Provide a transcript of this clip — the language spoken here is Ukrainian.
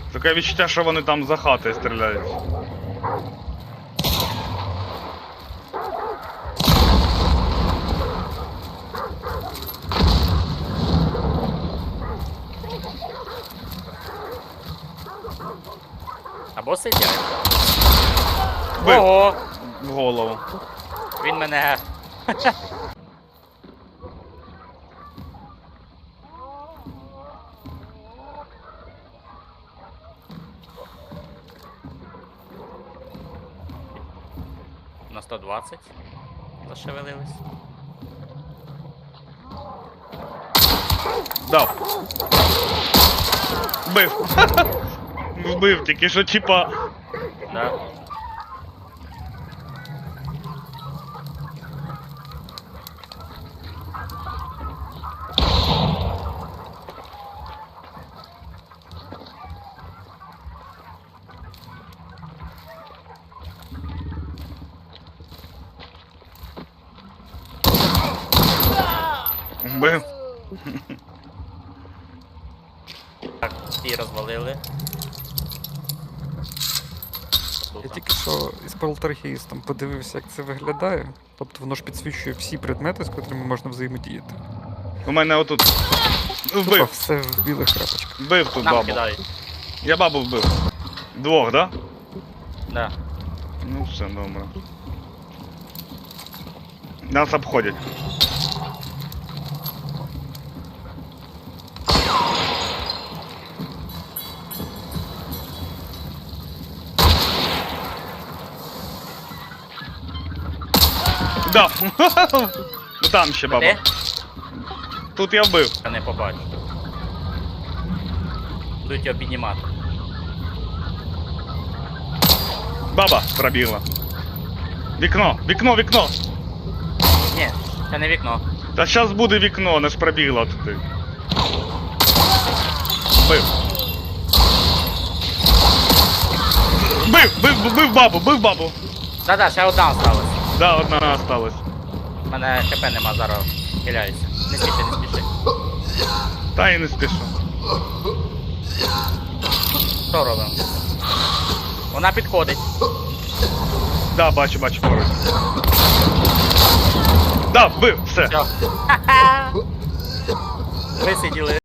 Таке відчуття, що вони там за хати стріляють. Або сидять. Бив. Ого! В голову. Він мене... На 120 зашевелились. Дав. Вбив. Вбив, тільки що типа. Да. Вбив. Так, ті розвалили. Я тільки що із полтергейстом подивився, як це виглядає. Тобто воно ж підсвічує всі предмети, з котрими можна взаємодіяти. У мене отут. Тупо Вбив. все в білих крапочках. Вбив тут Нам бабу. кидають. Я бабу вбив. Двох, да? Да. Ну все, добре. Нас обходять. Да. Ну там ще баба. Де? Тут я вбив. Я не побачу. Будуть його піднімати. Баба пробігла. Вікно, вікно, вікно. Ні, це не вікно. Та зараз буде вікно, не ж пробігла туди. Бив. Бив бабу, бив бабу. Да-да, ще одна осталась. Да, одна осталась. У мене ХП нема, зараз хиляюся. Не спіши, не спіши. Та і не спішу. Що робимо? Вона підходить. Да, бачу, бачу поруч. Да, вбив, все. Все. Висиділи.